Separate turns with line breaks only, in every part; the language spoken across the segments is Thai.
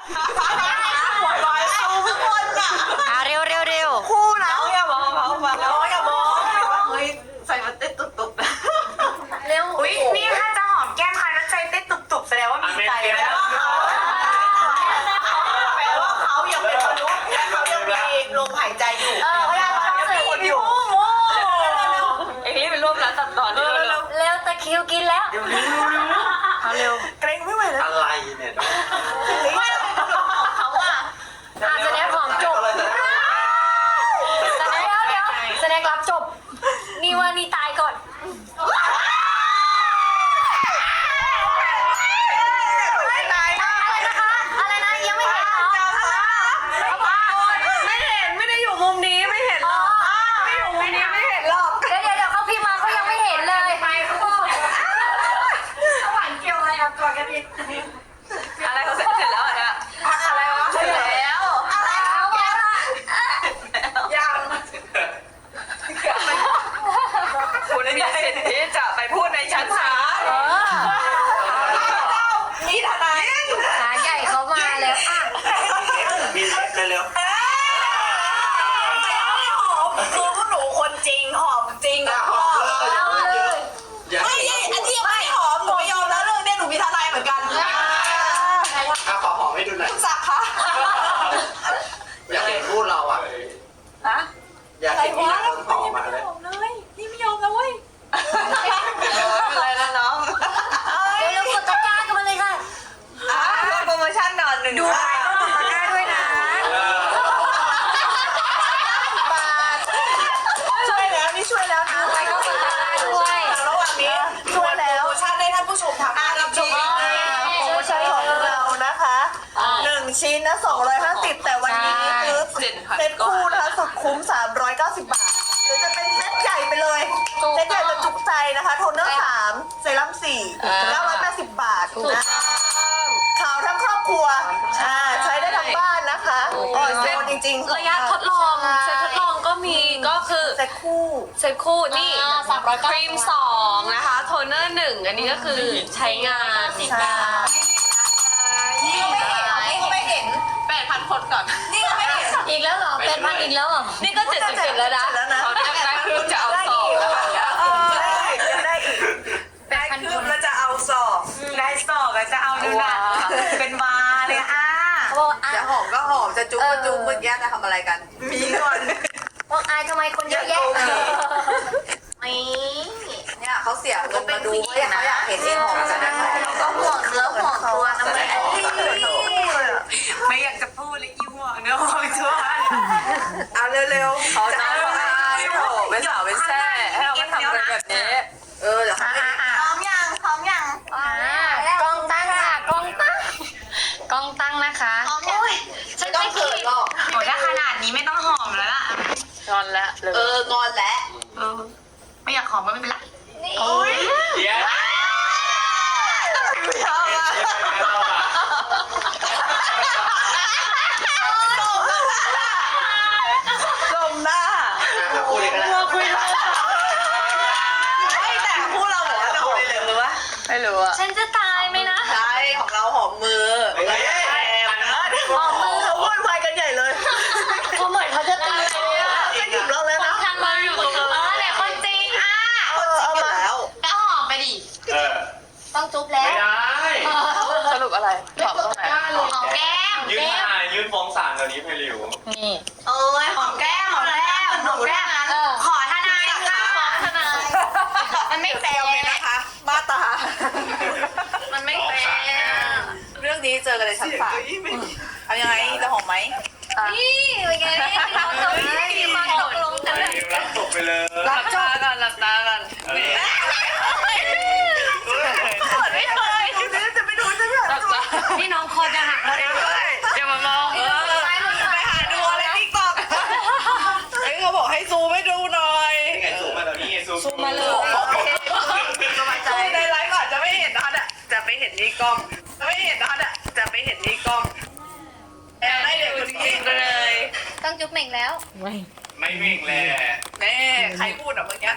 หัวลอยเขาทุกคนอ่ะ
เร็ว
คู่นะน้องอย่ามองเขามาน้องอย่ามองเฮ้ยใส่มันเต้นตุบๆ
เร็ว
อุ้ยนี่ถ้าจะหอมแก้มใครแล้วใจเต้นตุบๆแสดงว่ามีใจแล้วแปลว่าเขายังเป็นมนุษย์และเขายังมีลมหายใจอยู่
พยายามทำสิ
คนอยู่เอ็งรีบไปร่วมร้านตัดต่อเร็ว
เร็วตะคิวกินแล้วเร็ว
เกรงไม่ไหวแล้ว
อะไรเนี่ย
เขาอ่ะ
แสดงของจบแสดงรับจบนี่ว่านี่ตายก่อนอะไรนะยังไม่เห็นเหรอ
ไม่ได้อยู่มุมนี้ไม่เห็นหรอกไม่อยู่มุมนี้ไม่เห็นหรอก
เดี๋ยวเขาพิมพ์มาเขายังไม่เห็นเลยไปเขาบอกหวานเกี่ยวอะไรกับตัวกันดิ
อะไรเขาเสร็จแล้วอ่ะอะไรวะเสร็จแล้ว
อะไรเขาบอกว่า
ยังคุณมีสิทธิ์ที่จะไปพูดในชั้นศาลนี่ทนาย
ขาใหญ่เขามาแล้วอ่ะ
มีเร็ว
คือพวกหนูคนจริงหอมจริงอ่ะไม่อันนี้ไม่หอมหนูไม่ยอมแล้วเรื่องนี้หนูมีทนายเหมือนกัน
ขอหอมให้ดูหน่อย
คุณศักดิ์คะ
อยากเห็นพูดเราอ่ะอยากเห็นที่นักหอมมาเลย
นี่ไม่ยอมแล้วเว้ยอะไรนะน้อง
เร็วกดตะกร้ากันมาเลยค่ะ
โปรโมชั่นนอนหนึ่งดูไปต้องกดตะกร้าด้วยนะบาทช่วยแล้วนี่ช่วยแล้วนะ
ไปก็กดตะกร้าด้วย
ระหว่างนี้ช่วยแล้วโปรโมชั่นให้ท่านผู้ชมทางบ้านรับชมโปรโมชั่นของเรานะคะ1ชิ้นนะ250แต่วันนี้คือเซตคู่นะคะสุดคุ้ม390 บาทหรือจะเป็นเซตใหญ่ไปเลยเซตใหญ่จะจุกใจนะคะโทนเนอร์3เซรั่ม4 980 บาทนะขาวทั้งครอบครัวใช้ได้ทั้งบ้านนะคะอ่อนโยนจริงๆ
ระยะทดลองเซตทดลองก็มีก็คือ
เซต
คู่นี่ครีม2นะคะโทนเนอร์1อันนี้ก็คือใช้งาน
นี่ก็ไม่เห็น
8,000 คนก่อน
นี่ก็ไม่เห็น
อีกแล้วเหรอเป็นพันอีกแล้วเหรอ
นี่ก็77แล้วนะเขาได้คือจะเอา2แล้ว
ได้อีกได้คืบแล้วจะเอาศอกได้ศอกแล้วจะเอาดูนะเป็นวาเลยจะหอมก็หอมจะจุ๊บก็จุ๊บเมื่อกี้จะทำอะไรกันมีก่อน
บอกอายทำไมคนเยอะแยะ
เนี่ยเขาเสียเงินมาดูว่าเขาอยากเห็นที่หอมกันนะคะ
ก็ห่วงเนื้อห่วงตัวนะ
ไม่อยากจะพูดเลยห่วงเนื้อห่วงตัวเอาเร็วๆเขาจะเอาไปโถเป็นสาวเป็นแซ่ให้เราทำกันแบบนี้เดี๋ยวเขาไม่พร้อมยัง
กล้องตั้งค่ะกล้องตั้งนะคะ
ฉันต้องเขินหรอก
ถ้าขนาดนี้ไม่ต้องหอมแล้วล่ะ
งอนแล้วงอนแล้ว
ไม่อยากหอมก็ไม่เป็นไร
โอ้ย
เดี๋ยว
ชอบอ่ะลมหน้า
พูดเลยก็ได้
คุยแล้วไม่แต่พูดเราบอกว่าจะหอมเลยหรือวะไม่รู้อ่ะ
ฉันจะตายไหมนะ
ใช่ของเราหอมมือหอมมือเขาพูดไปกันใหญ่เลย
เขาเหมือนเขาจะตาย
จะหยิบเราเลยนะ
ทำมาอยู่แต่คนจริง
เอามาแล้ว
ก็หอมไปดิต้องจุ๊บแล้ว
ไม่ได้
สรุปอะไรหอมตรงไหน
หอมแก้ม
ยื่นฟ้องศาลตอนนี้เพลิว
นี่
หอมแก้มหนูแก้ม
ขอทนายค่ะทนายมันไม่แฟร์
นะคะมาตา
มันไม่แฟร์
เรื่องนี้เจอกันในชั้นศาลเอายังไงจะหอมไหม
นี่เป็นไงเขาตกมาตกลงกันเลย
รับจบไปเลย
หลับตากันไม่เคยจะไปดูจะ
นี่น้องคอจะหักแล้ว
อย่ามามอง
ไปหาดูอะไรติ๊กต็อกเขาบอกให้ซูมให้ดูหน่อย
ไงซูมมาตอนนี้
ซูมมาเลย
สบายใจในไลฟ์ก่อนจะไม่เห็นนะจะไปเห็นนี่กล้องจะไม่เห็นนะจะไปเห็นนี่กล้องแอบให้เด็กคนนี้
เลย
ต้องจุ๊บเหม่งแล้ว
ไม่วิ่งเลย
แม่ใครพูดอ่ะเมื่อกี้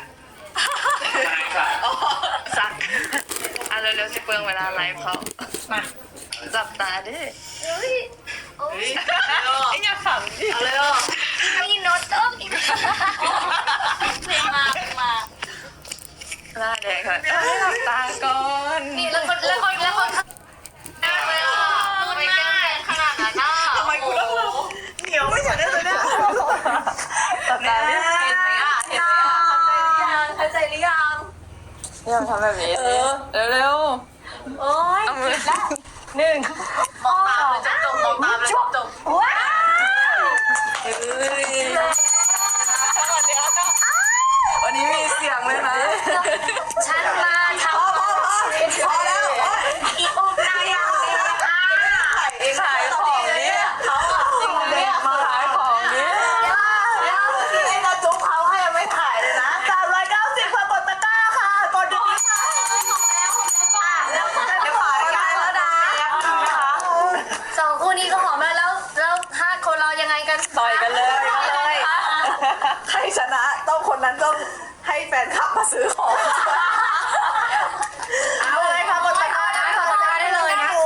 สักเร็วๆสิเปลืองเวลาไลฟ์เขามาจับตาดิไอ้ยาขำดิ
อะไรอ่ะ
มีโน้ตต้มอีกเพลงมา
หน้าแดงค่ะให้หลับตาก่อน
นี่แล้วคนพูดมากขนาดนั้นอ่ะ
ทำไมคุณต้องเหนียวไม่ใช่ได้เลยเนี่ย
ตัดตาดิเห็นไหมอ่ะเห็นไหมอ่ะเข้าใจหรือยังเนี่ยทำแบบนี้เร็ว
โอ้ย
เอามือหนึ่ง
มองตาเลยจบมองตาเลยจบ
ว้าว
วันนี้มีเสียงเลยนะ
ฉันมาทำ
พอแล้ว
อีกองนายอย่างเดียวค่ะ
ขายของนี้เขาจริงเนี่ยมาขายของนี้
ที่ไอ้เราจุ๊บเขาให้ไม่ถ่ายเลยนะ390ค่ะกดตะกร้าค่ะกดเดี๋ยวนี้ค่ะแล้วเดี๋ยวขายได้แล้วนะ
สองคู่นี้ก็หอมแล้วห้าคนเรายังไงกัน
ต่อยกันเลย
ใครชนะต้องคนนั้นต้องให้แฟนคลับมาซื้อของเอาเลยค่ะกดตะกร้าได้
กดตะกร้าได้เลยนะคะ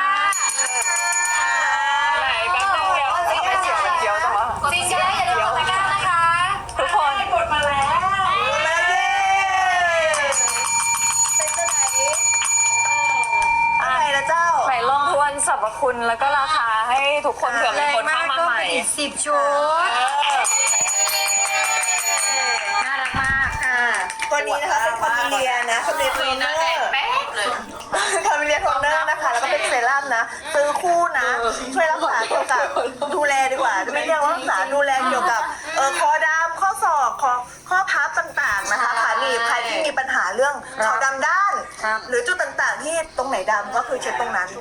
ไหนแป๊บนึงเดียวไม่เสียงมันเดียวจังวะ
จริงๆอย่าลืมกดตะกร้านะคะ
ทุกคน
กดมาแล้ว
แล้วเย้
เป็นจะไหน
อะไรนะเจ้า
ไหนลองทวนสรรพคุณแล้วก็ราคาให้ทุกคนเผื่อมีคนเข้ามาใหม่
อีก10 ชุดน่ารักมาก
ตัวนี้นะคะเป็นคาเมเลียนะคาเมเลียโทนเนอร์คาเมเลียโทนเนอร์นะคะแล้วก็เป็นเซรั่มนะซื้อคู่นะช่วยรักษาเกี่ยวกับดูแลดีกว่าไม่เรียกว่ารักษาดูแลเกี่ยวกับคอดำข้อศอกข้อพับต่างๆนะคะขาหนีบใครที่มีปัญหาเรื่องขาวดำด้าน หรือจุดต่างๆที่ตรงไหนดำก็คือเช็ดตรงนั้น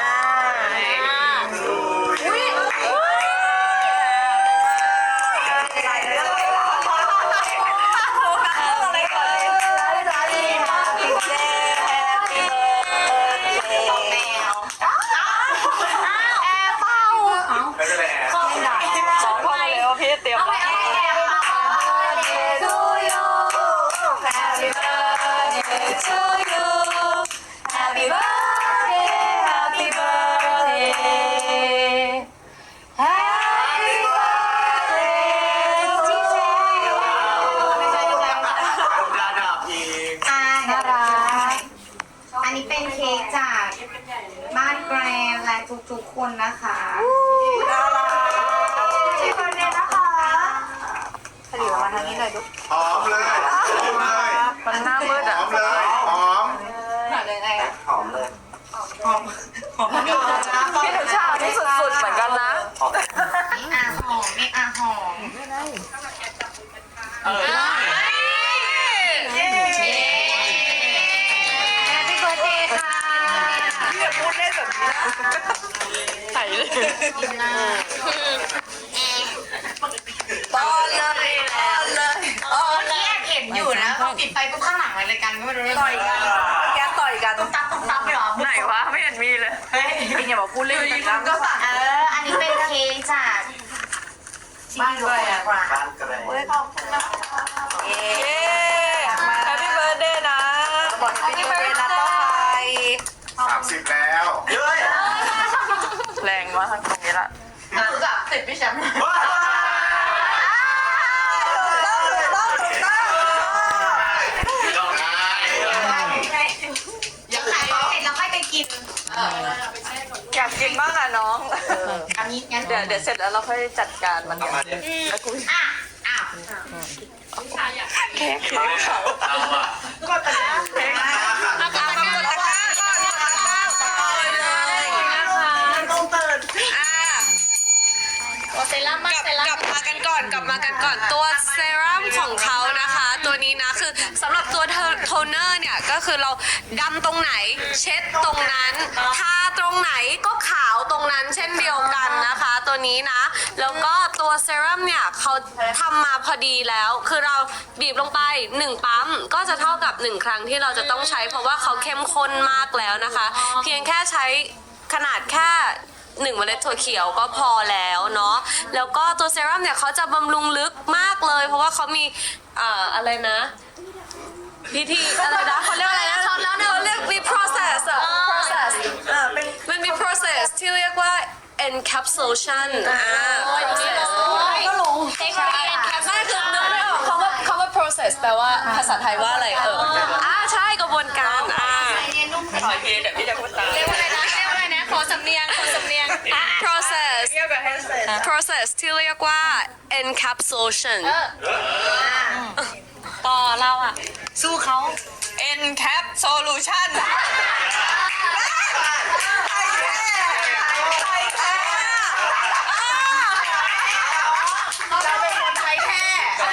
ไม่เป็นไร
บอกพ่อมาเลยว่าพี่เตรียมไว้
Happy birthday Happy birthday Happy birthday to you
ระดับอีก
น่ารักอันนี้เป็นเค้กจากบ้านแกรนและทุกๆคนนะคะที่คนเดียวนะคะ
ผลิตมาทางนี้หน่อยดู
หอมเลยหอมเลย
มันหน้ามืด
ห
อ่ะ
อมเลยหอม
ยังไงอะ
หอมเลย
พี่ทุชานี่สุดๆเหมือนกันนะ
หอม
อ่ะหอมมีอ่ะหอม Happy birthday ค่ะ
พี่อย่าพูดเล่นแบบนี้นะ
ไข่เลย
ป้อนเลยป้อนเลย
แยกเห็นอยู่นะพอปิดไฟปุ๊บข้างหลังอะไรกันก็ไม่รู้
ต่อยกันแกต่อยกัน
ตับไปหรอ
ไหนวะไม่เห็นมีเลย
พี่อย่าบอกพูดเล่นกัน
ก็สั่งอันนี้เป็นเค้กจากบ้านด้วยอ่ะ
บ้านกระไร
เย้
แฮปปี้เบิร์ดเดย์นะ
บอกให้พี่เบิร์ดนะต่อไป
30แล้วเฮ้ย
แรงมากตรงนี้ละ
รู้จักติดพี่แชมป์ ยังไงเสร็จแล้วค่อยไปกิน
อยากกินมากอ่ะน้อง
อันนี้งั้น
เดี๋ยวเสร็จแล้วเราค่อยจัดการมันกัน
อ่ะอ้าว
เค้กเขา
เอาอ่ะ
กดตะกร้า
เอากดตะกร้าก่อนกดตะกร้าก่อนเลยนะคะ
ต้องเติร์น
โอเซรั่มมากเซรั่ม
กลับมากันก่อนตัวเซรั่มของเขานะคะ ตัวนี้นะคือสำหรับตัวโทนเนอร์เนี่ยก็คือเราดำตรงไหนเช็ดตรงนั้นทาตรงไหนก็ขาวตรงนั้นเช่นเดียวกันนะคะ ตัวนี้นะแล้วก็ตัวเซรั่มเนี่ยเขาทำมาพอดีแล้วคือเราบีบลงไป1ปั๊มก็จะเท่ากับ1ครั้งที่เราจะต้องใช้เพราะว่าเขาเข้มข้นมากแล้วนะคะ เพียงแค่ใช้ขนาดแค่1เมล็ดถั่วเขียวก็พอแล้วเนาะแล้วก็ตัวเซรั่มเนี่ยเขาจะบำรุงลึกมากเลย เพราะว่าเขามีอะไรนะพิธีอะไรนะเขาเรียกอะไรนะเขาเรียกมี process อะ process
เป็น
มันมี process ที่เรียกว่า encapsulation process
ก็ลง
ใช่ไม่คือนึกไม่ออกคำว่า process แปลว่าภาษาไทยว่าอะไรใช่กระบวนการ
ขออีกทีเดี๋ยวพี่จะพูดตาม
เรียกว่าอะไรนะขอสำเนียงprocess
เกี่ยวกับ handset
process ที่เรียกว่า encapsulation ต่อเราอ่ะ
สู้เขา
encap solution
เราเป็นคนไทยแค่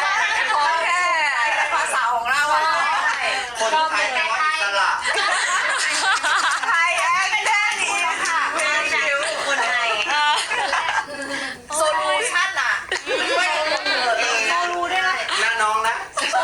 ภาษาของเราอะ
คนไทยแปลว่าอิสระ
ไทยแอนแค่นี้ค่ะ
คนไทย
โซลูชั่นอะช่วยกันเกิดเลย
เรารู้ด้วยนะ
หน้าน้องนะ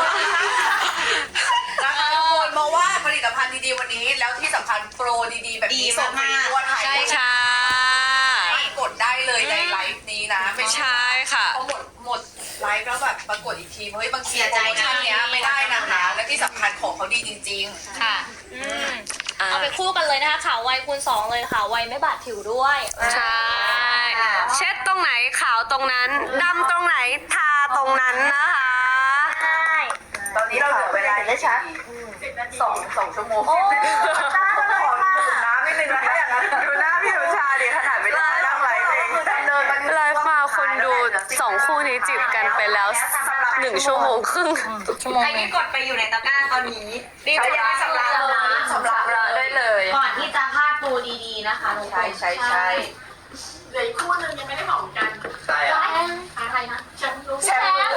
นะคะทุกคนมาว่าผลิตภัณฑ์ดีๆวันนี้ แล้วที่สำคัญโปรดีๆแบบนี้ส่งฟรีทั่วไทย
ใช่
กดได้เลยในไลฟ์นี้นะไม่ใช่
ใช่ค่ะ
พอหมดไลฟ์แล้วแบบปรากฏอีกทีเฮ้ยบางทีโปรโมชั่นเนี้ยไม่ได้นะคะและที่สำคัญของเขาดีจริงๆ
ค่ะเอาไปคู่กันเลยนะคะขาวไวคูณ2เลยค่ะไวไม่บาดผิวด้วย
ใช่ เช็ดตรงไหนขาวตรงนั้นดำตรงไหนทาตรงนั้นนะคะ
ตอนนี้เราเหลือเวลาได้ชัดสองชั่วโมงขอดื่มน้ำนิดนึงนะคะอย่างนั้นดูหน้าพี่สุชาดิขนาดไม่ได้นั่งไลฟ์เองเดินมา
ไลฟ์มาคนดู2คู่นี้จีบกันไปแล้ว1 ชั่วโมงครึ่ง
ใครที่กดไปอยู่ในตะกร้าตอนนี้
รีบไปชำระได้เลย
ก่อนที่จะพลาดตัวดีๆนะคะทุกคน
ใช่
เหลืออีกคู่หนึงยังไม่ได้บอกเหมือนกัน
ใช่อ่ะ
อะไรนะฉันรู้
แชมป์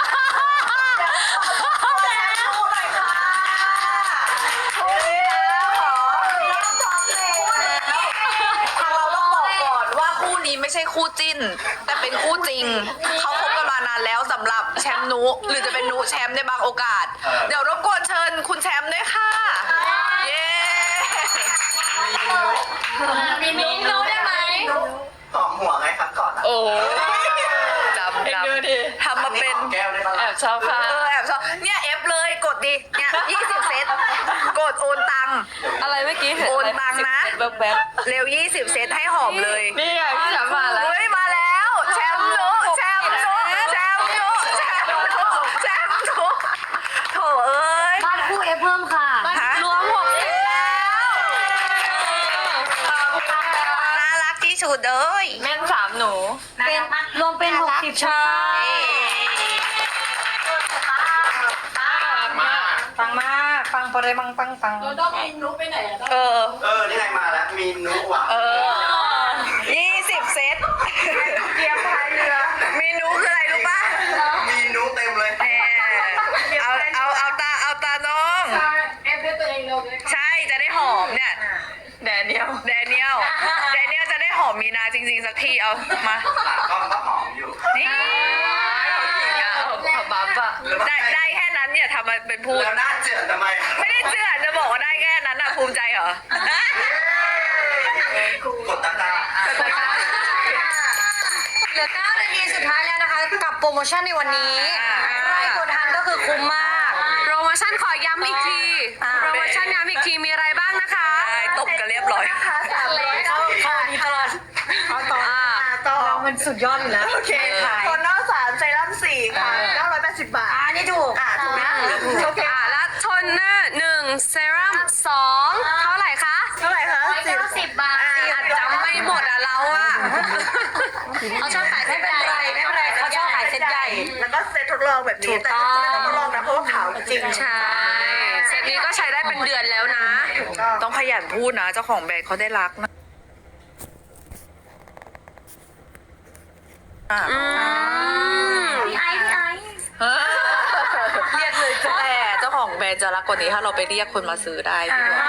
คู่หน่อยค่ะคู่นี้แล้วขอทางเราต้องบอกก่อนว่าคู่นี้ไม่ใช่คู่จิ้น แต่เป็นคู่จริง เขาคบกันมานานแล้วสำหรับแชมป์นุหรือจะเป็นนุแชมป์ในบางโอกาส เดี๋ยวรบกวนเชิญคุณแชมป์ด้วยค่ะ เย้
มีมิ้นรู้ได้ไหม
หอมหัวไงครับก่อนอ่ะ
โอ้จำทำมาเป็น
แก้วได้ปะ
แอบชอบค่ะ
แอบชอบเนี่ยเอฟเลยกดดิเนี่ย20 เซตกดโอนตังค์
อะไรเมื่อกี้
โอนตังค์นะ
แบบ
เร็ว20 เซตให้หอมเลย
นี่ไงพี่ฉันมาแล้ว
เฮ้ยมาแล้วแชมป์นุแชมป์นุแชมป์นุแชมป์นุแชมป์นุโถเอ้ย
บ้านคู่เอฟเพิ่มค่ะ
ฮะ
รวม60แล้ว
น่ารักที่สุดเลย
แม่น3หนู
เป็นรวมเป็น60
ใช่
ฟังมากฟังพอได้ฟัง
เราต้องมีนุ๊กไปไหนอะต้อง
นี่ไงมาแล้ว มีนุ๊กว่ะ
20 เซตเตรียมพายเรือเมนูคืออะไรรู้ป่ะ
มีนุ๊กเต็มเลย
เอาตาน้อง
เอฟด้วยตัวเองเร็วเลยค่ะ
ใช่จะได้หอมเนี่ยแดเนียลจะได้หอมมีนาจริงๆสักทีเอามา
ปากกล้องก็หอมอยู่
นี่บับอะได้แค่นั้นเนี่ยทำมาเป็นพูด
แล้วหน้าเจือนทำไม
ไม่ได้เจือนจะบอกว่าได้แค่นั้นอะภูมิใจเหรอ
กดตะกร้า
เหลือ9 นาทีสุดท้ายแล้วนะคะ กับโปรโมชั่นในวันนี้ใครกดทันก็คือคุ้มมาก
โปรโมชั่นขอย้ำอีกที โปรโมชั่นย้ำอีกทีมีอะไรบ้างนะคะ
ตบกันเรียบร้อย
ข้อนี้ตลอดเอาต่อเรามันสุดยอดอยู่แล้ว
โอเคโทนเนอร์3เซรั่ม4ค่ะ980 บาท
นี่ถูก
ถูกนะโอเค
แล้วโทนเนอร์1เซรั่ม2เท่าไหร่คะ
เท่าไหร่คะ
90 บาท
จำไม่หมดอะเราอะ
เขาชอบขาย
ไม่เป็นไรเขาชอบขายเซ็ตใหญ่
แล้วก็เซตทดลองแบบนี้แต่ไม่ต้องทดลองนะเพราะว่าขาวจริง
ใช่ เซตนี้ก็ใช้ได้เป็นเดือนแล้วนะ
ต้องขยันพูดนะเจ้าของแบรนด์เขาได้รักนะ
พี่ไอซ์
เรียกเลยแต่เจ้าของแบรนด์จะรักกว่านี้ถ้าเราไปเรียกคนมาซื้อได้พี่ว่า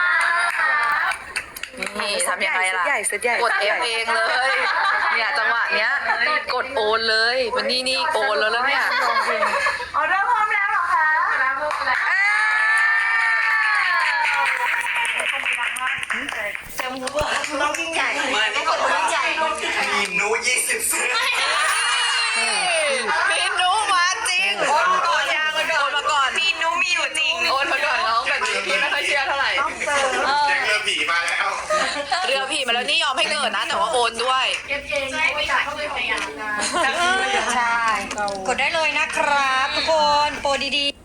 นี่ทำยังไงล่ะกดเอฟเองเลยเนี่ยจังหวะเนี้ยกดโอนเลยมันนี่โอนแล้วเนี่ยออเดอร์พร้อมแล้วเหรอคะต้องยิ่งใหญ่
ไม่นี่กดว่ามีนุ๊ก20 เซน
มีนุมาจริงโอนมาก่อนยางมาก่อนมาก่อนมีนุมีอยู่จริงโอนมาก่อนน้องแบบนี้พี่ไม่ค่อยเชื่อเท่าไหร่
เด็กเรือผีมาแล้ว
เรือผี
มาแล้วนี่ยอมให้เกิดนะ แต่ว่าโอนด้วย
เก็บเองไม่อยากเข้าไปของงานนะ
ใช่ กดได้เลยนะครับทุกคนโปรดีๆ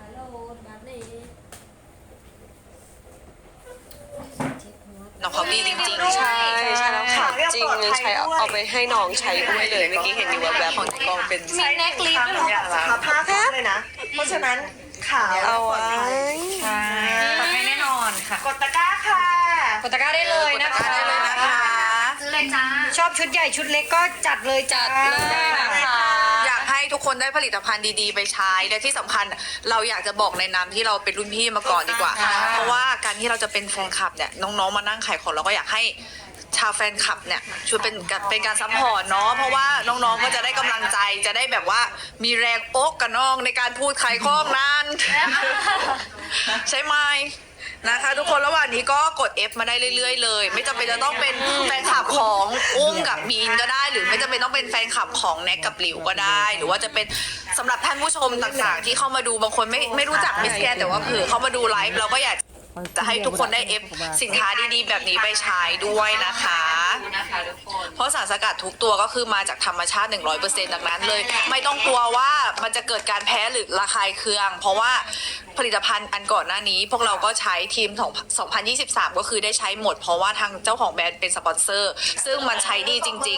น้องเขาดีจริงๆ ใช่ใช่แล้วค่ะจริงใช้เอาไปให้น้องใช้ด้วยเลยเมื่อกี้เห็นอยู่แบบของกองเป็น
มีเน็กลิฟต์ด้วยเหรอผ้าคลุมเลยนะ เพราะฉะนั้นขาว
เอาไว้
ใช่ปลอดภัยแน่นอนค่ะ
กดตะกร้าค่ะ
กดตะกร้าได้เลยนะคะ
ได้เลยนะคะ
ซื้อเลยจ้า
ชอบชุดใหญ่ชุดเล็กก็จัดเลยจัด
เลยนะคะอยากให้ทุกคนได้ผลิตภัณฑ์ดีๆ ไปใช้และที่สำคัญเราอยากจะบอกในนามที่เราเป็นรุ่นพี่มาก่อนดีกว่า เพราะว่าการที่เราจะเป็นแฟนคลับเนี่ยน้องๆมานั่งขายของเราก็อยากให้ชาวแฟนคลับเนี่ยช่วยเป็นการซัพพอร์ตเนาะเพราะว่าน้องๆก็จะได้กำลังใจจะได้แบบว่ามีแรงอกกับน้องในการพูดขายของนั้น ใช่ไหมนะคะ ทุกคนระหว่างนี้ก็กด F มาได้เรื่อยๆเลย ไม่จำเป็นจะต้องเป็นแฟนคลับของอุ้มกับมีนก็ได้ หรือไม่จำเป็นต้องเป็นแฟนคลับของแน็กกับหลิวก็ได้ หรือว่าจะเป็นสำหรับท่านผู้ชมต่างๆที่เข้ามาดูบางคนไม่รู้จักมิสแกนแต่ว่าเผื่อเข้ามาดูไลฟ์เราก็อยากจะให้ทุกคนได้ F สินค้าดีๆแบบนี้ไปใช้ด้วยนะคะ เพราะสารสกัดทุกตัวก็คือมาจากธรรมชาติ 100% ดังนั้นเลย ไม่ต้องกลัวว่ามันจะเกิดการแพ้หรือระคายเคือง เพราะว่าผลิตภัณฑ์อันก่อนหน้านี้ พวกเราก็ใช้ทีมของ2023 ก็คือได้ใช้หมด เพราะว่าทางเจ้าของแบรนด์เป็นสปอนเซอร์ ซึ่งมันใช้ดีจริง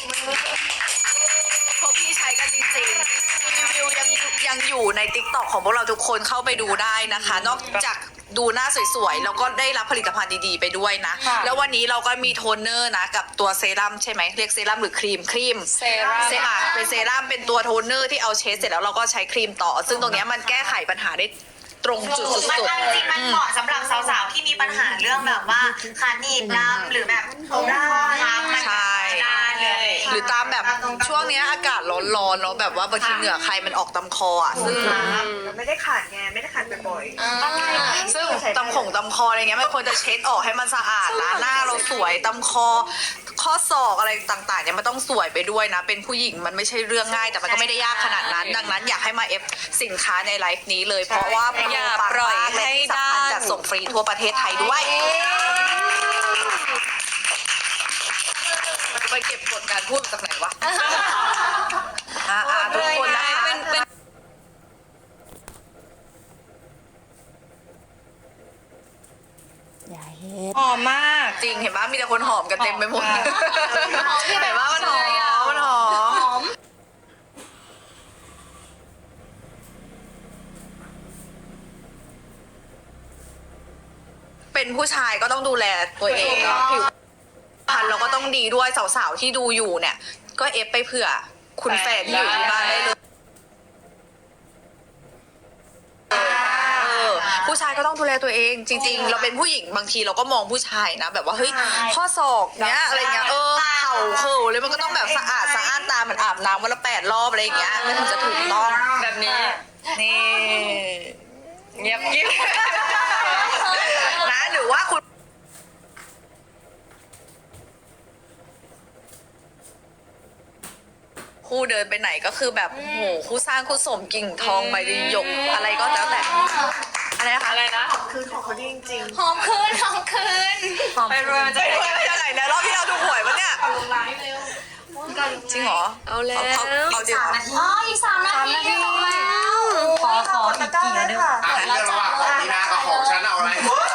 ๆพวกพี่ใช้กันจริงๆรีวิวยังอยู่ใน TikTok ของพวกเราทุกคนเข้าไปดูได้นะคะ นอกจากดูหน้าสวยๆแล้วก็ได้รับผลิตภัณฑ์ดีๆไปด้วยนะ แล้ววันนี้เราก็มีโทนเนอร์นะกับตัวเซรั่มใช่ไหมเรียกเซรั่มหรือครีมเซรั่มเป็นเซรั่มเป็นตัวโทนเนอร์ที่เอาเช็ดเสร็จแล้วเราก็ใช้ครีมต่อ ซึ่งตรงเนี้ยมันแก้ไขปัญหาได้ตรงจุดสุ
มัน
ด
เอาจริงมันเหมาะสำหรับสาวๆที่มีปัญหาเรื่องแบบว่าขาหนีบดำหรือแบบผมร่างมัน
ๆใช่
ได้เลย
หรือตามแบบช่วงเนี้ยอากาศร้อนๆเนาะแบบว่าบางทีเหงื่อใครมันออกตำคออ่ะซึ่ง
ไม่ได้ขาดไงไม่ได้ขาดบ่อย
ซึ่งตำคออะไรเงี้ยมันควรจะเช็ดออกให้มันสะอาดนะหน้าเราสวยตำคอข้อศอกอะไรต่างๆเนี่ยมันต้องสวยไปด้วยนะ เป็นผู้หญิงมันไม่ใช่เรื่องง่ายแต่มันก็ไม่ได้ยากขนาดนั้น ดังนั้นอยากให้มาเอฟสินค้าในไลฟ์นี้เลย เพราะว่าอย่าปล่อยให้ได้จัดส่งฟรีทั่วประเทศไทยด้วยไปเก็บกดการพูดจากไหนวะทุกคนนะคะ
หอมมาก
จริงเห็นปะมีแต่คนหอมกันเต็มไปหมดเห็นปะมันหอมมันหอมเป็นผู้ชายก็ต้องดูแลตัวเองเนาะผิวพรรณเราก็ต้องดีด้วยสาวๆที่ดูอยู่เนี่ย ก็เอฟไปเผื่อคุณแฟนที่อยู่ที่บ้านได้เลยผู้ชายก็ต้องดูแลตัวเองจริงๆ เราเป็นผู้หญิงบางทีเราก็มองผู้ชายนะแบบว่าเฮ้ยข้อศอกเนี้ยอะไรเงี้ยเข่าเลยมันก็ต้องแบบสะอาดสะอ้านตาเหมือนอาบน้ำวันละ8 รอบอะไรอย่างเงี้ยมันถึงจะถูกต้องแบบนี้นี่เงียบกิ๊บนะหรือว่าคุณคู่เดินไปไหนก็คือแบบโอ้โหคู่สร้างคู่สมกิ่งทองใบหยกอะไรก็แล้วแต่อะไรนะคะอะไรนะ
ๆคือของเขาดีจริง
หอมคืนหอมคืน
ไปรวยมันจะไปยังไงนะรอบที่เราถูกหวยปะเนี่ย
ลงไลฟ์เร็ว
จริงเหรอเอาแล้วเอาจริงเหรอ
อ๋ออีก3 นาทีจบแล้ว
ขอ
กดตะกร้าเลยค่ะ
อ่ะเรื่องระหว่างของนีนากับของฉันเอาอะไร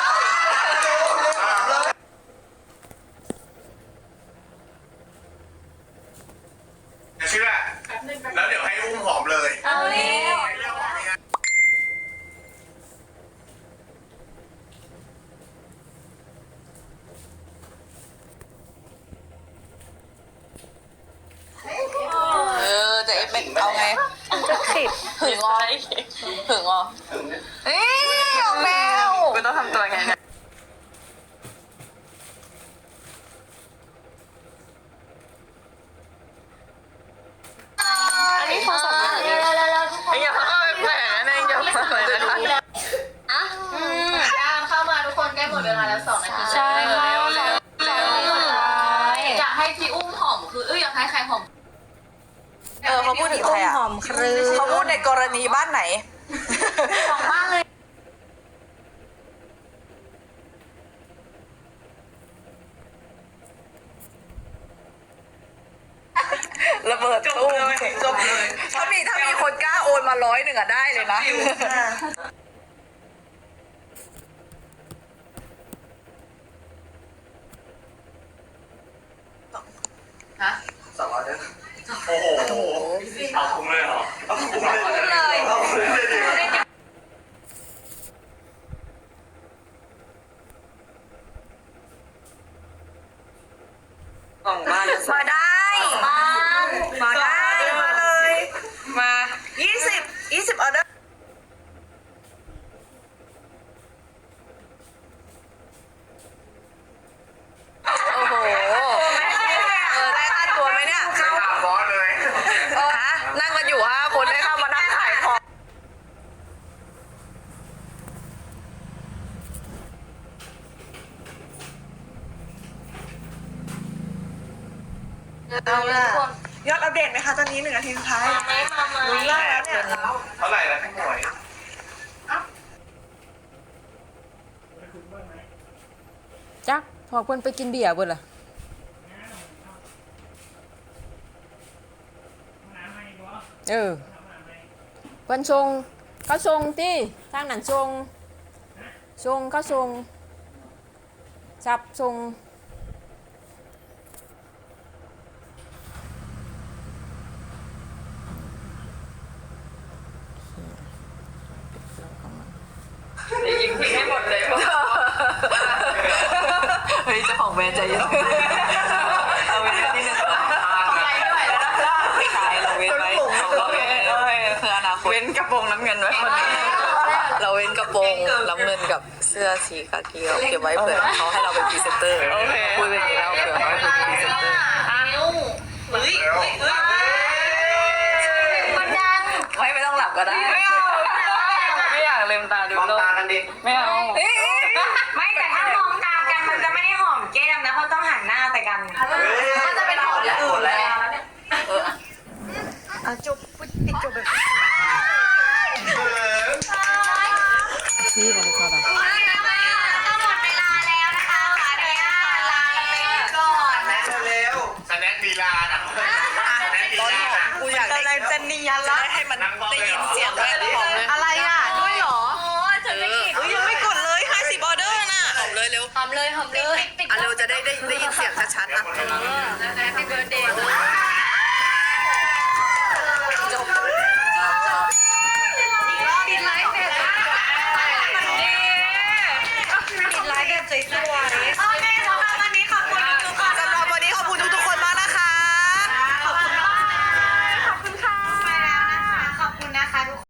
เชื่อ แล้วเดี๋ยวให้อุ้มหอมเลย
เอาแล้ว
แต่เป็นเอาไงจะขิดหึงอ๋อหึงอ๋อเอ้ยออกแล้วกูต้องทำตัวไงเนี่ยอันนี้โทรศัพท์อะไรเนี่ยอย่าเพิ่งแหวนนะอย่าเพิ่งเลยนะคะ
ย่างเข้ามาทุกคนใกล้หมดเวลาแล้ว2 นาที
ใช่ค่ะ
อยากให้พี่อุ้มหอมคืออยากให้ใครหอม
เขาพูดถึงใครอ่ะ
หอมครึ้
เขาพูดในกรณีบ้านไหน
ของบ้านเลย
ระเบิดตู้มจบเลยถ้ามีคนกล้าโอนมา100อะได้เลยนะ
200เด้อโอ้โหเอาคุ้มเลยเหรอเอาคุ้มเลย เอาคุ้มเลยดิ
มาได้ มาได้
มาเลย
มา
20ออเดอร์
โอ้โหได้ค่าตัวไหมเนี่ย
ใช้ตามบอสเลย
ฮะนั่งกันอยู่5 คนได้เข้ามานั่งขายของ
เอาล่ะยอดอัปเดตไหมคะตอนนี้1 นาทีสุดท้ายลุ้นได้แล้วเนี่ย
เท่าไหร่แล้วพี่หมวย
จักพอเพิ่นไปกินเบียร์เบิดล่ะเออเพิ่นชงเขาชงติทางนั้นชงเขาชงจับชง
ยิงทิ้งให้หมดเลยเฮ้ยเจ้าของแบรนด์ใจเย็นเอาไว้นิดนึงใช่เราเว้นไว้เราเว้นคืออนาคตเว้นกระโปรงน้ำเงินไว้คนนี้เราเว้นกระโปรงน้ำเงินกับเสื้อสีกากีเราเก็บไว้เผื่อเขาให้เราเป็นพรีเซนเตอร์พูดแบบนี้แล้วเผื่อเขาให้เป็นพรีเซนเตอร์
มันดัง
ไม่ต้องหลับก็ได้ไม่อยากลืมตาดู
มอง
โลก
ตากันดิ
ไม่เอา
ไม่แต่ถ้ามองตากันมันจะไม่ได้หอมแก้มนะเพราะต้องหันหน้าไปกัน
มันจะเป็นหอมอย่างอื่นแล้ว
จบปิดจบแบบ
ซีบ่ได้เข้าไป
หมดเวลาแล้วนะคะขออนุญาตลาไปก่อนนะ
เร็วสแน็คดีลาอ่ะสแน็คดีลา
กูอยากได้จะเนียนแล้วให้มันได้ยินเสียงด้วยหอมเลย
อะไรอ่ะด้วยเหรอ
ยังไม่กดเลย50ออเดอร์น่ะหอมเลยเร็ว
หอมเลย
อ่ะเร็วจะได้ยินเสียงชัดๆนะ
Happy birthday